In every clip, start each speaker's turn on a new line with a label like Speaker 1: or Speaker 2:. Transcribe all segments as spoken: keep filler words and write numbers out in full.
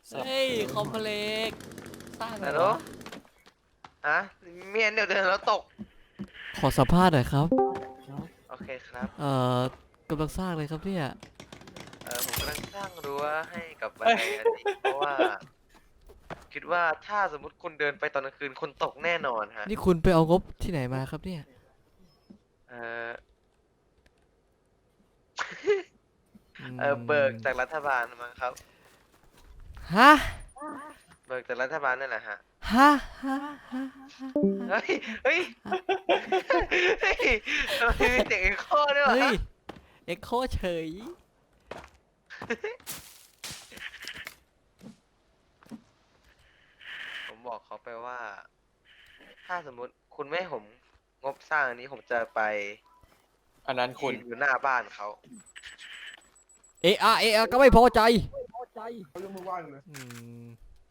Speaker 1: เฮ้ยคอมเพล็กซ์สร้างเหร
Speaker 2: ฮัลโหล
Speaker 1: อ
Speaker 2: ฮะเมียนเดี๋ยวเดินแล้วตก
Speaker 1: ขอสัมภาษณ์หน่อยครับ
Speaker 2: โอเคครับ
Speaker 1: เอ่อกำลังสร้างเลยครับเนี่ย
Speaker 2: เออผมกำลังสร้างรั้วให้กับบันไดอันนี้เพราะว่า คิดว่าถ้าสมมติคุณเดินไปตอนกลางคืนคุณตกแน่นอนฮะ
Speaker 1: นี่คุณไปเอางบที่ไหนมาครับเนี่ย
Speaker 2: เออเออเบิกจากรัฐบาลมั้งครับ
Speaker 1: ฮะ
Speaker 2: เบิกจากรัฐบาลนั่นแหละฮะ
Speaker 1: ฮะฮะฮะ
Speaker 2: เฮ้ย เฮ้ย เฮ้ยทำไมมีเสียงเอ็กโคด้วยวะ
Speaker 1: เฮ้ย เอ็กโคเฉย
Speaker 2: ผมบอกเขาไปว่า ถ้าสมมุติคุณไม่ให้ผมงบสร้างอันนี้ผมจะไป
Speaker 3: อันนั้นคุณ
Speaker 2: ยืนอยู่หน้าบ้านเขา
Speaker 1: เออาเออาก็ไม่พอใจ
Speaker 4: เขายกมือไหว้เลย
Speaker 1: อืม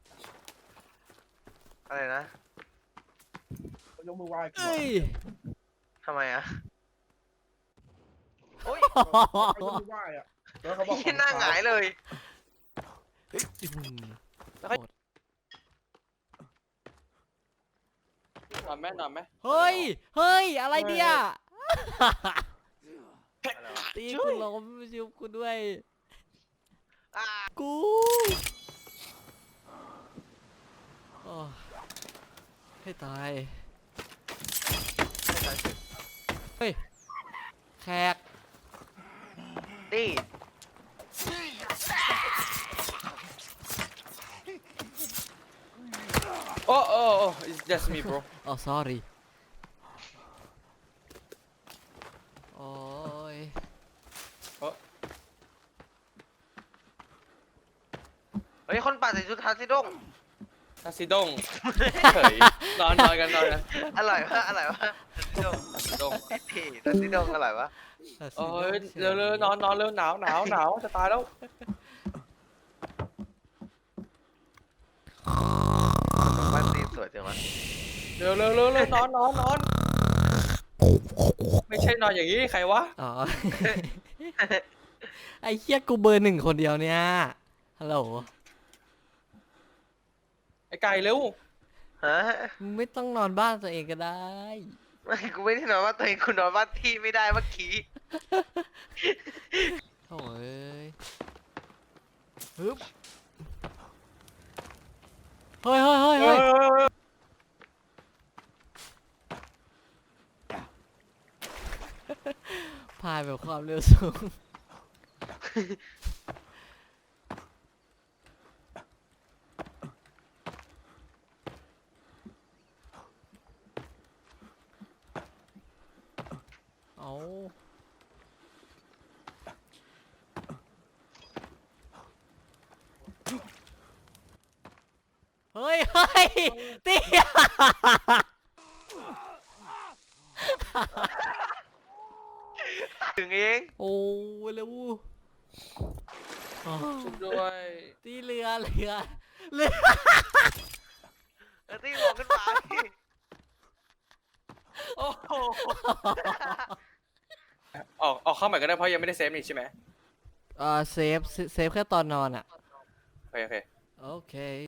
Speaker 2: อะไรนะ
Speaker 4: เขายกมือไหว้กู
Speaker 1: เอ้ย
Speaker 2: ทำไมอะโอ้ย
Speaker 4: เขายกมือไหว้อะแล้วเขาบอก
Speaker 2: ที่หน้าหงายเลย แล้วก็
Speaker 3: นอนไหมนอนไหม
Speaker 1: เฮ้ย เฮ้ย อะไรเนี่ย
Speaker 2: อะไรวะ
Speaker 1: ตีคุณล้มชิวคุณด้วย
Speaker 2: อ่า
Speaker 1: กูโอ้ให้ตาย เฮ้ย แขก
Speaker 2: นี่
Speaker 3: โอ้โอ้โอ้ it's just me bro
Speaker 1: อ๋อ sorry โอ้ย
Speaker 2: เฮ้ยคนป่าใส่ชุดทาซิดง
Speaker 3: ทาซิดงเฉยนอนนอนกันนอนกัน
Speaker 2: อร่อยวะอร่อยวะทาซิดง
Speaker 3: ทาซิดง
Speaker 2: พี่ทาซิดงอร่อยวะ
Speaker 3: โอ้ยเร็วเร็วนอนนอนเร็วหนาวหนาวหนาวจะตายแล้ว
Speaker 2: บ้านตีนสวยจังวะ
Speaker 3: เร็วเร็วเร็วเร็วนอนนอนนอนไม่ใช่นอนอย่างนี้ใครวะ
Speaker 1: อ๋อ ไอ้เหี้ยกูเบอร์หนึ่งคนเดียวเนี่ย ฮัลโหล
Speaker 3: ไอ้ไก่เร็ว
Speaker 2: ฮะ
Speaker 1: มึงไม่ต้องนอนบ้านตัวเองก็ได้
Speaker 2: ไม่กูไม่ได้นอนว่าตัวเองคุณนอนบ้านที่ไม่ได้เมื่อกี้
Speaker 1: โถ่เอ้ยฮึบเฮ้ยเฮ้ยเฮ้ย
Speaker 3: เอ
Speaker 1: เฮ้ย
Speaker 3: อ
Speaker 1: พายแบบความเร็วสูง เอาเฮ้ยเฮ้ยเตี้ย
Speaker 2: ถึงเอง
Speaker 1: โอ้เร็วอ๋อ
Speaker 3: ชุบด้วย
Speaker 1: ตีเรือเรือเรือ
Speaker 2: เออตีบอกขึ้นมาดิ
Speaker 3: โอ้โหออกออกเข้าใหม่ก็ได้เพราะยังไม่ได้เซฟนี่ใช่ไหม
Speaker 1: อ่าเซฟเซฟแค่ตอนนอนอ่ะ
Speaker 3: โอเคโอเค
Speaker 1: โอเค